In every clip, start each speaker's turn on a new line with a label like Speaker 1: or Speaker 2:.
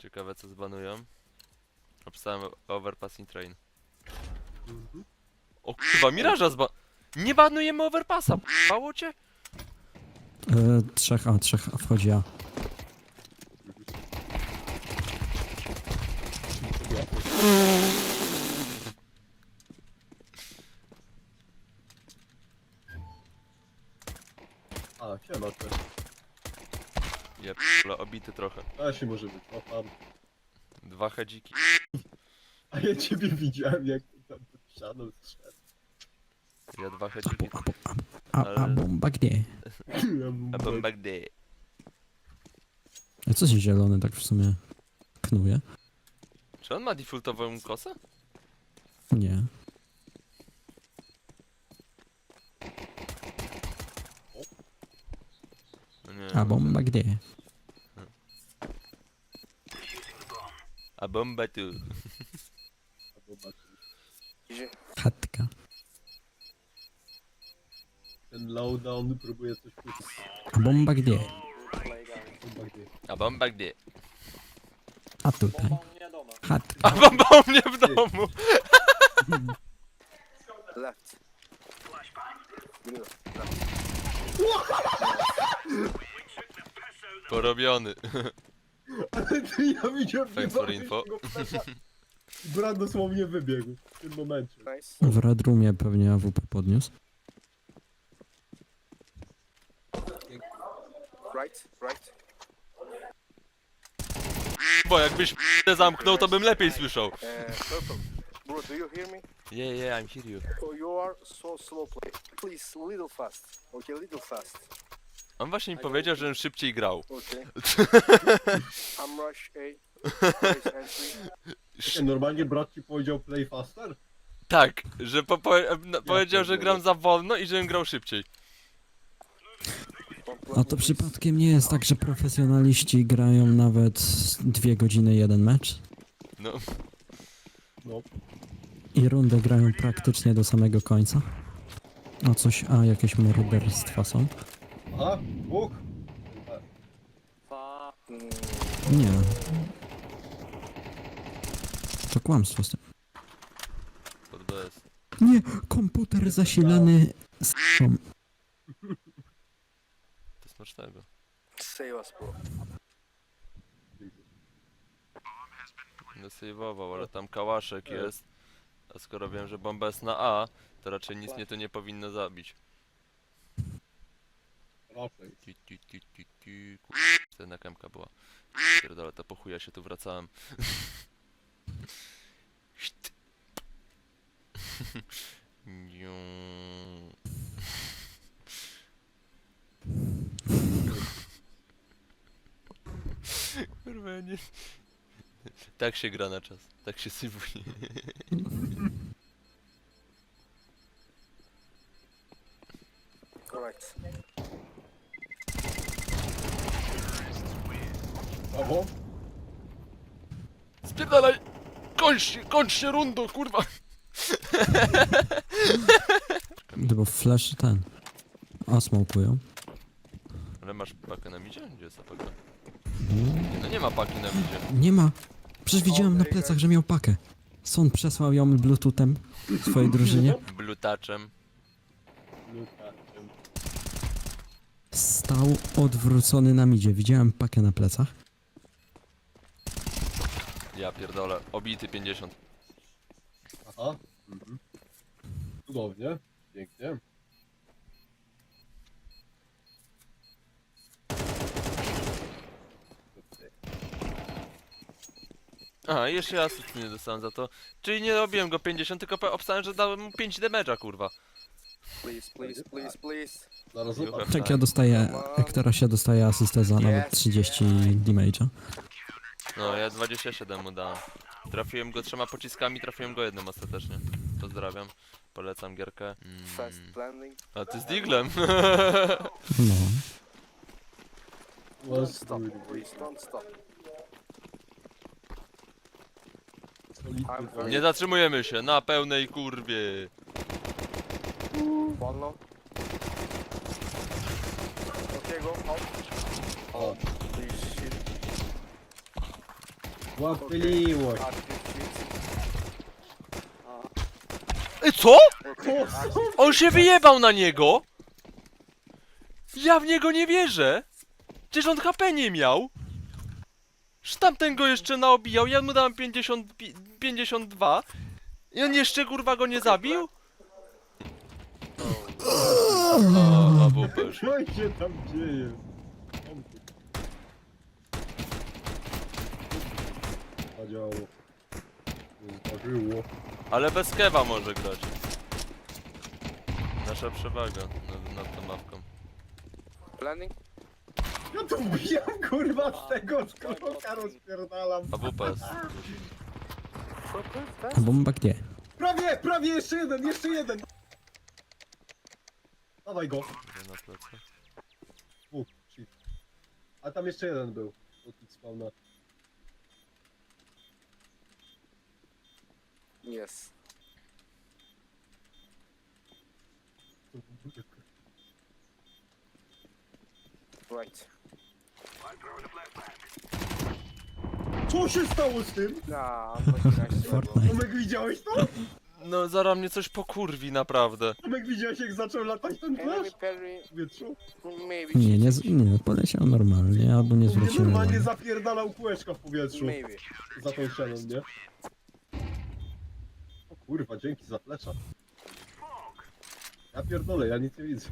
Speaker 1: Ciekawe co zbanują. Napisałem overpassing train. O kurwa, Miraża Nie banujemy overpassa, p***ało cię?
Speaker 2: Trzech A wchodzi A.
Speaker 3: A, siema też.
Speaker 1: Je obity trochę.
Speaker 3: A się może być, o tam.
Speaker 1: 2 hedziki.
Speaker 3: A ja ciebie widziałem, jak tam pod ścianą strzedł.
Speaker 1: Ja 2 hedziki.
Speaker 2: A bomba gdzie?
Speaker 1: A bomba gdy?
Speaker 2: A co się zielony tak w sumie knuje?
Speaker 1: Czy on ma defaultową kosę?
Speaker 2: Nie.
Speaker 1: No nie.
Speaker 2: A bomba gdzie?
Speaker 1: A bomba tu.
Speaker 2: Chatka.
Speaker 3: Ten lowdown próbuje coś puścić.
Speaker 2: A bomba gdzie?
Speaker 3: Chyba gdzie.
Speaker 1: A bomba gdy?
Speaker 2: A tutaj.
Speaker 1: A
Speaker 2: Chatka.
Speaker 1: bomba u mnie w domu!
Speaker 4: Left. Middle.
Speaker 1: Porobiony.
Speaker 3: Ale ty, ja widziałem,
Speaker 1: Thanks for info.
Speaker 3: Brat dosłownie wybiegł w tym momencie.
Speaker 4: Nice.
Speaker 2: W Red Roomie pewnie AWP podniósł.
Speaker 4: Right. Right.
Speaker 1: Bo jakbyś zamknął, to bym lepiej słyszał.
Speaker 4: Purple. Bro, do you hear me?
Speaker 1: Yeah, I'm here you.
Speaker 4: Oh, you are so slow play. Please, little fast. Okay, little fast.
Speaker 1: On właśnie mi powiedział, żebym szybciej grał.
Speaker 4: Okay. I'm rush A. Place entry.
Speaker 3: Normalnie brat ci powiedział play faster?
Speaker 1: Tak, że powiedział, że gram za wolno i żebym grał szybciej.
Speaker 2: A to przypadkiem nie jest tak, że profesjonaliści grają nawet 2 godziny jeden mecz?
Speaker 1: No,
Speaker 3: No.
Speaker 2: I rundę grają praktycznie do samego końca? A coś, jakieś morderstwa są?
Speaker 3: Aha, dwóch.
Speaker 2: Nie. To kłamstwo z tym.
Speaker 1: pod BS.
Speaker 2: Nie, komputer zasilany z
Speaker 1: To smacznego.
Speaker 4: Save us, bro.
Speaker 1: No sejwował, ale tam kałaszek jest. A skoro wiem, że bomba jest na A, to raczej nic mnie to nie powinno zabić.
Speaker 3: Raczej.
Speaker 1: To jedna kemka była. Pierdolę, to po chuja się tu wracałem. Kurwa, ja nie... Tak się gra na czas, tak się sejwuje.
Speaker 4: Correct.
Speaker 3: Brawo.
Speaker 1: Spierdalaj! Kończ się rundo, kurwa!
Speaker 2: Bo flash ten. A smokują.
Speaker 1: Ale masz pakę na midzie? Gdzie jest ta paka? No nie ma paki na midzie.
Speaker 2: Nie ma. Przecież widziałem na plecach, że miał pakę. Son przesłał ją bluetoothem swojej drużynie.
Speaker 1: Blutaczem.
Speaker 2: Stał odwrócony na midzie. Widziałem pakę na plecach.
Speaker 1: Ja pierdolę. Obity 50.
Speaker 3: Aha. Cudownie. Pięknie.
Speaker 1: Aha, jeszcze ja asyst nie dostałem za to. Czyli nie robiłem go 50, tylko obstałem, że dałem mu 5 damage'a, kurwa.
Speaker 4: Please.
Speaker 3: Zaraz
Speaker 1: You
Speaker 3: zobacz.
Speaker 1: have
Speaker 2: Tak ja dostaję, Ektarasia dostaje asystę za nawet 30 damage'a.
Speaker 1: No, ja 27 mu dałem. Trafiłem go 3 pociskami, trafiłem go jednym ostatecznie. Pozdrawiam. Polecam gierkę.
Speaker 4: Fast landing.
Speaker 1: A ty z Diglem.
Speaker 2: No.
Speaker 4: Don't stop, please. Don't stop.
Speaker 3: Solidny
Speaker 1: Nie zatrzymujemy się, na pełnej kurwie.
Speaker 4: One low. Okay, go. Out.
Speaker 3: O,
Speaker 4: Please, shit.
Speaker 3: Łapyliło się.
Speaker 1: Co?
Speaker 3: O,
Speaker 1: On się wyjebał na niego! Ja w niego nie wierzę! Przecież on HP nie miał! Że tamten go jeszcze naobijał, ja mu dałem 52 i on jeszcze kurwa go nie zabił? A WP.
Speaker 3: co się tam dzieje? Zadziałało. Nie zdarzyło.
Speaker 1: Ale bez kewa może grać. Nasza przewaga nad tą mapką.
Speaker 4: Planning?
Speaker 3: Ja tu wbijam kurwa z tego skoroka rozpierdalam.
Speaker 1: A WP jest.
Speaker 2: A bomba gdzie?
Speaker 3: Prawie, jeszcze jeden! Dawaj go.
Speaker 1: Nie na plecach.
Speaker 3: Shit. A tam jeszcze jeden był. Od spawna.
Speaker 4: Yes. Right.
Speaker 3: Co się stało z tym?
Speaker 4: Nah, I'm not nice.
Speaker 2: Fortnite.
Speaker 3: Tomek, widziałeś to?
Speaker 1: No zaraz mnie coś pokurwi naprawdę.
Speaker 3: Tomek, widziałeś jak zaczął latać ten
Speaker 4: Enemy
Speaker 3: flash?
Speaker 4: parry,
Speaker 3: W powietrzu?
Speaker 4: maybe.
Speaker 2: Nie, poleciał normalnie, albo nie
Speaker 3: Nie
Speaker 2: zwróciłem
Speaker 3: normalnie
Speaker 2: uwagi.
Speaker 3: zapierdalał kółeczka w powietrzu.
Speaker 4: Maybe.
Speaker 3: Za tą ścianą, nie? O kurwa, dzięki za flesza. Ja pierdolę, ja nic nie widzę.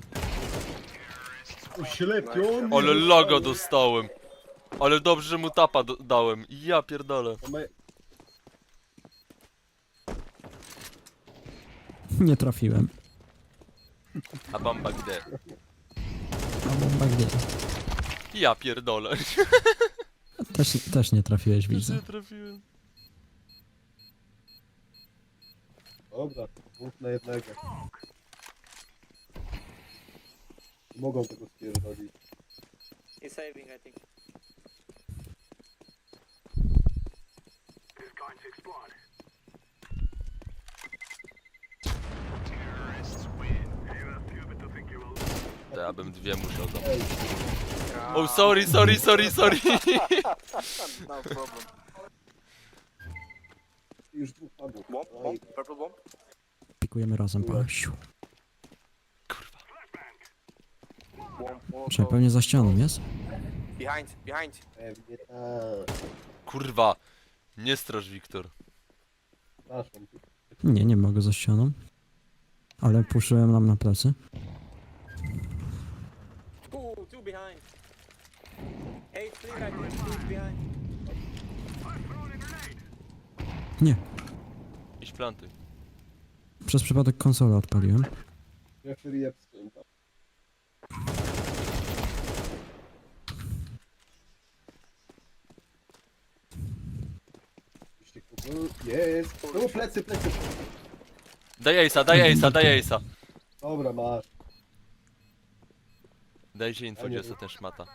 Speaker 3: Oślepiony!
Speaker 1: Ale logo dostałem. Ale dobrze, że mu tapa dałem. Ja pierdolę.
Speaker 2: Nie trafiłem.
Speaker 1: A bomba gdzie?
Speaker 2: A bomba gdzie?
Speaker 1: Ja pierdolę.
Speaker 2: Też nie trafiłeś,
Speaker 1: Już
Speaker 2: widzę.
Speaker 1: nie trafiłem.
Speaker 3: Dobra, punkt na jednego. Mogą tego spierdolić.
Speaker 5: He's saving, I think.
Speaker 1: To ja bym dwie musiał zabrać.
Speaker 3: Ej,
Speaker 1: Oh, sorry.
Speaker 4: No problem.
Speaker 3: już dwóch padło.
Speaker 4: Bomb, bomb, purple bomb.
Speaker 2: Pikujemy razem, pasiu.
Speaker 4: Bomb,
Speaker 2: Czekaj, pewnie za ścianą jest?
Speaker 4: Behind, behind.
Speaker 3: Pewnie tak.
Speaker 1: Kurwa. Nie straż, Wiktor.
Speaker 3: Przepraszam.
Speaker 2: Nie mogę za ścianą. Ale puszyłem nam na plecy.
Speaker 5: Two behind. Hey, clear, I think. Two behind.
Speaker 2: Nie,
Speaker 1: Iść planty.
Speaker 2: przez przypadek konsolę odpaliłem.
Speaker 3: Referee Epstein tam. Jest! No plecy!
Speaker 1: Daj ace'a.
Speaker 3: Dobra, masz.
Speaker 1: Dajcie info, gdzie jest ten szmata.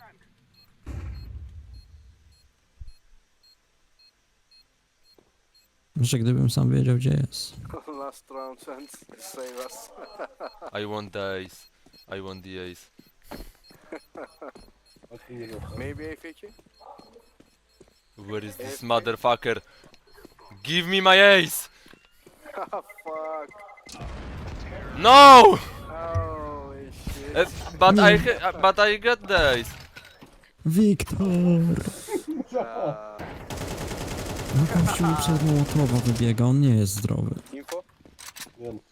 Speaker 2: Że gdybym sam wiedział, gdzie jest.
Speaker 4: Last round and save us.
Speaker 1: I want the ace. I want the ace.
Speaker 3: Patrzcie, nie wiem.
Speaker 4: Maybe AFK?
Speaker 1: Where is this motherfucker? Give me my ace!
Speaker 4: Fuck.
Speaker 1: No!
Speaker 4: Holy shit.
Speaker 1: But I got the ace.
Speaker 2: Wiktor! No gościu mi przez Mołotowa wybiega, on nie jest zdrowy.
Speaker 4: Info?
Speaker 3: Nie wiem,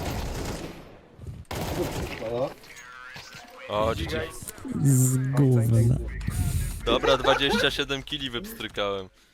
Speaker 3: czego przykłada?
Speaker 1: O,
Speaker 2: Z gówna.
Speaker 1: dobra, 27 kili wypstrykałem.